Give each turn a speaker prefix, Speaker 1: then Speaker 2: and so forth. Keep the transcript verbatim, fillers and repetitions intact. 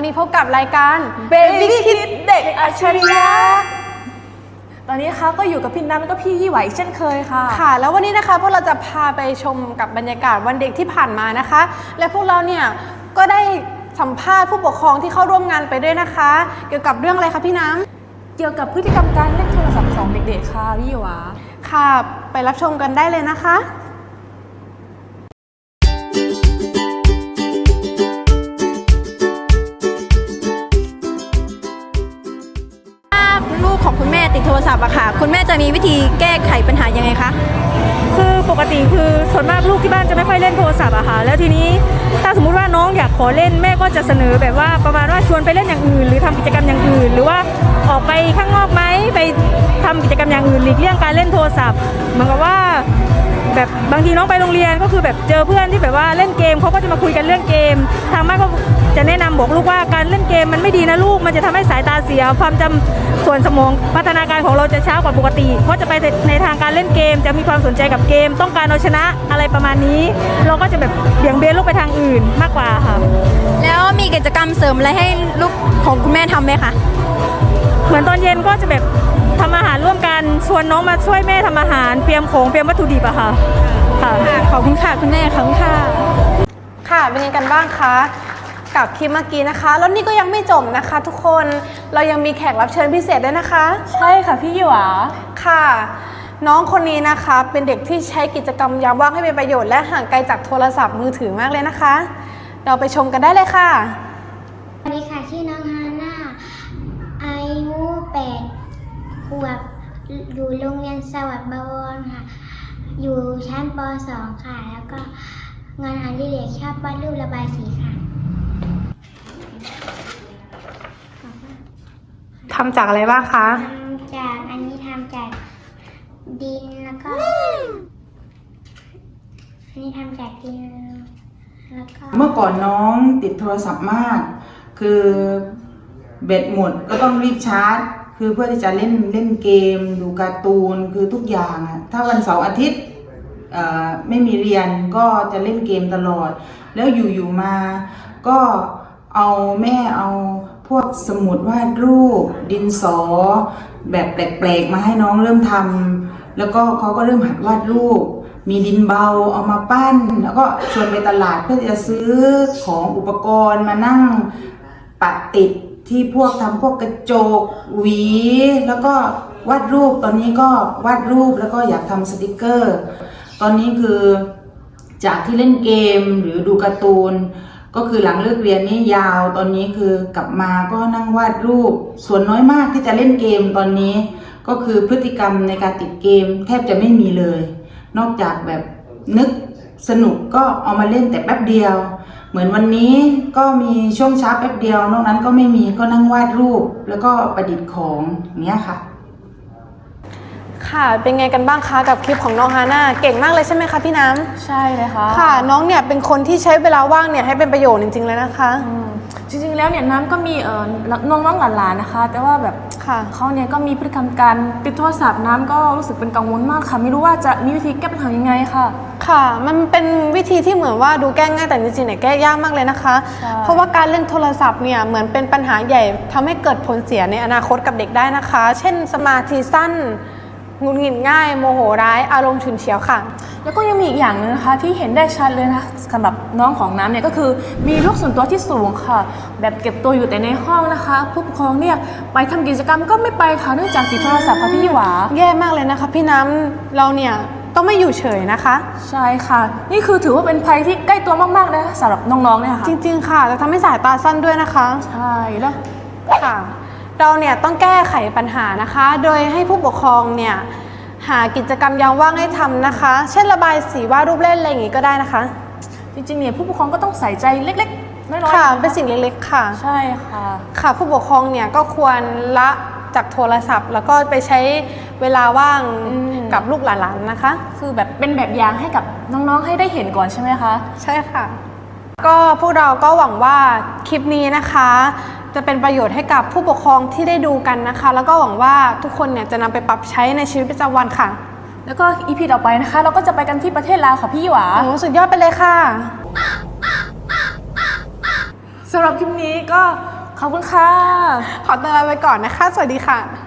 Speaker 1: นี้พบกับรายการ
Speaker 2: Baby Kids เด็กอัจฉริยะตอนนี้ค่ะก็อยู่กับพี่น้ำแล้วก็พี่ยี่ไหวเช่นเคยค่ะ
Speaker 1: ค่ะแล้ววันนี้นะคะพวกเราจะพาไปชมกับบรรยากาศวันเด็กที่ผ่านมานะคะ และพวกเราเนี่ยก็ได้สัมภาษณ์ผู้ปกครองที่เข้าร่วมงานไปด้วยนะคะ เกี่ยวกับเรื่องอะไรคะพี่น้ำ
Speaker 2: เกี่ยวกับพฤติกรรมการเล่นโทรศัพท์ของเด็กๆค่ะพี่ยี่หวา
Speaker 1: ค่ะไปรับชมกันได้เลยนะคะลูกของคุณแม่ติดโทรศัพท์อะค่ะคุณแม่จะมีวิธีแก้ไขปัญหายังไงคะ
Speaker 3: คือปกติคือส่วนมากลูกที่บ้านจะไม่ค่อยเล่นโทรศัพท์อะค่ะแล้วทีนี้ถ้าสมมุติว่าน้องอยากขอเล่นแม่ก็จะเสนอแบบว่าประมาณว่าชวนไปเล่นอย่างอื่นหรือทำกิจกรรมอย่างอื่นหรือว่าออกไปข้างนอกไหมไปทำกิจกรรมอย่างอื่นหลีกเลี่ยงการเล่นโทรศัพท์เหมือนกับว่าแบบบางทีน้องไปโรงเรียนก็คือแบบเจอเพื่อนที่แบบว่าเล่นเกมเขาก็จะมาคุยกันเรื่องเกมทางบ้านก็จะแนะนำบอกลูกว่าการเล่นเกมมันไม่ดีนะลูกมันจะทำให้สายตาเสียความจำส่วนสมองพัฒนาการของเราจะช้ากว่าปกติเพราะจะไปในทางการเล่นเกมจะมีความสนใจกับเกมต้องการเอาชนะอะไรประมาณนี้เราก็จะแบบเบี่ยงเบนลูกไปทางอื่นมากกว่าค่ะ
Speaker 1: แล้วมีกิจกรรมเสริมอะไรให้ลูกของคุณแม่ทำไหมคะ
Speaker 3: เหมือนตอนเย็นก็จะแบบทำอาหารร่วมกันชวนน้องมาช่วยแม่ทำอาหารเตรียมของเตรียมวัตถุดิบอะค่ะ
Speaker 1: ค่ะขอบคุณค่ะคุณแม่ขอบคุณค่ะค่ะเป็นยังไงกันบ้างคะกับคลิปเมื่อกี้นะคะแล้วนี่ก็ยังไม่จบนะคะ ทุกคนเรายังมีแขกรับเชิญพิเศษด้วยนะคะ
Speaker 2: ใช่ค่ะพี่ยี่หวา
Speaker 1: ค่ะน้องคนนี้นะคะเป็นเด็กที่ใช้กิจกรรมยามว่างให้เป็นประโยชน์และห่างไกลจากโทรศัพท์มือถือมากเลยนะคะเราไปชมกันได้เลยค่ะ
Speaker 4: สวัสดีค่ะชื่อน้องฮาน่าอายุแปดขวบอยู่โรงเรียนสวัสดิ์บวรค่ะอยู่ชั้นป สอง ค่ะแล้วก็งานอดิเรกชอบวาดรูประบายสีค่ะ
Speaker 1: ทำจากอะไรบ้างคะ
Speaker 4: ทำจากอันนี้ทำจากดินแล้วก็อันนี้ทำจากดินแล้วก็
Speaker 5: เมื่อก่อนน้องติดโทรศัพท์มากคือแบตหมดก็ต้องรีบชาร์จคือเพื่อที่จะเล่นเล่นเกมดูการ์ตูนคือทุกอย่างอะถ้าวันเสาร์อาทิตย์ไม่มีเรียนก็จะเล่นเกมตลอดแล้วอยู่ๆมาก็เอาแม่เอาพวกสมุดวาดรูปดินสอแบบแปลกๆมาให้น้องเริ่มทำแล้วก็เขาก็เริ่มหัดวาดรูปมีดินเบาเอามาปั้นแล้วก็ชวนไปตลาดเพื่อจะซื้อของอุปกรณ์มานั่งปะติดที่พวกทำพวกกระจกหวีแล้วก็วาดรูปตอนนี้ก็วาดรูปแล้วก็อยากทำสติกเกอร์ตอนนี้คือจากที่เล่นเกมหรือดูการ์ตูนก็คือหลังเลิกเรียนนี่ยาวตอนนี้คือกลับมาก็นั่งวาดรูปส่วนน้อยมากที่จะเล่นเกมตอนนี้ก็คือพฤติกรรมในการติดเกมแทบจะไม่มีเลยนอกจากแบบนึกสนุกก็เอามาเล่นแต่แป๊บเดียวเหมือนวันนี้ก็มีช่วงเช้าแป๊บเดียวนอกนั้นก็ไม่มีก็นั่งวาดรูปแล้วก็ประดิษฐ์ของอย่างเงี้ยค่ะ
Speaker 1: ค่ะเป็นไงกันบ้างคะกับคลิปของน้องฮาน่าเก่งมากเลยใช่ไหมคะพี่น้ำ
Speaker 2: ใช่เลยค่ะ
Speaker 1: ค่ะน้องเนี่ยเป็นคนที่ใช้เวลาว่างเนี่ยให้เป็นประโยชน์จริงๆเลยนะคะ
Speaker 2: จริงๆแล้วเนี่ยน้ำก็มีเอ่อน้องๆหลานๆนะคะแต่ว่าแบบเขาเนี่ยก็มีพฤติกรรมการติดโทรศัพท์น้ำก็รู้สึกเป็นกังวลมากค่ะไม่รู้ว่าจะมีวิธีแก้ปัญหายังไงค่ะ
Speaker 1: ค่ะมันเป็นวิธีที่เหมือนว่าดูแก้ง่ายแต่จริงๆเนี่ยแก้ยากมากเลยนะคะเพราะว่าการเล่นโทรศัพท์เนี่ยเหมือนเป็นปัญหาใหญ่ทำให้เกิดผลเสียในอนาคตกับเด็กได้นะคะเช่นสมาธิสั้นหงุดหงิดง่ายโมโหร้ายอารมณ์ฉุนเฉียวค่ะ
Speaker 2: แล้วก็ยังมีอีกอย่างนึงนะคะที่เห็นได้ชัดเลยนะสำหรับน้องของน้ำเนี่ยก็คือมีโรคส่วนตัวที่สูงค่ะแบบเก็บตัวอยู่แต่ในห้องนะคะผู้ปกครองเนี่ยไปทำกิจกรรมก็ไม่ไปค่ะเนื่องจากติดโทรศัพท์ค่ะพี่หวา
Speaker 1: แย่มากเลยนะคะพี่น้ำเราเนี่ยต้องไม่อยู่เฉยนะคะ
Speaker 2: ใช่ค่ะนี่คือถือว่าเป็นภัยที่ใกล้ตัวมากๆเลยสำหรับน้องๆเนี่ยค่ะ
Speaker 1: จริงๆค่ะจะทำให้สายตาสั้นด้วยนะคะ
Speaker 2: ใช่แล้ว
Speaker 1: ค่ะเราเนี่ยต้องแก้ไขปัญหานะคะโดยให้ผู้ปกครองเนี่ยหากิจกรรมยามว่างให้ทำนะคะเช่นระบายสีวาดรูปเล่นอะไรอย่างงี้ก็ได้นะคะ
Speaker 2: จริงๆเนี่ยผู้ปกครองก็ต้องใส่ใจเล็กๆน้อยๆ
Speaker 1: ค่ะเป็นสิ่งเล็กๆค่ะ
Speaker 2: ใช่ค่ะ
Speaker 1: ค่ะผู้ปกครองเนี่ยก็ควรละจากโทรศัพท์แล้วก็ไปใช้เวลาว่างกับลูกหลานๆนะคะ
Speaker 2: คือแบบเป็นแบบอย่างให้กับน้องๆให้ได้เห็นก่อนใช่ไหมคะ
Speaker 1: ใช่ค่ะก็พวกเราก็หวังว่าคลิปนี้นะคะจะเป็นประโยชน์ให้กับผู้ปกครองที่ได้ดูกันนะคะแล้วก็หวังว่าทุกคนเนี่ยจะนำไปปรับใช้ในชีวิตประจำวันค่ะ
Speaker 2: แล้วก็อีพีต่อไปนะคะเราก็จะไปกันที่ประเทศลาวค่ะพี่หวา
Speaker 1: โอ้สุดยอดไปเลยค่ะ
Speaker 2: สำหรับคลิปนี้ก็ขอบคุณค่ะ
Speaker 1: ขอตัวลาไปก่อนนะคะ สวัสดีค่ะ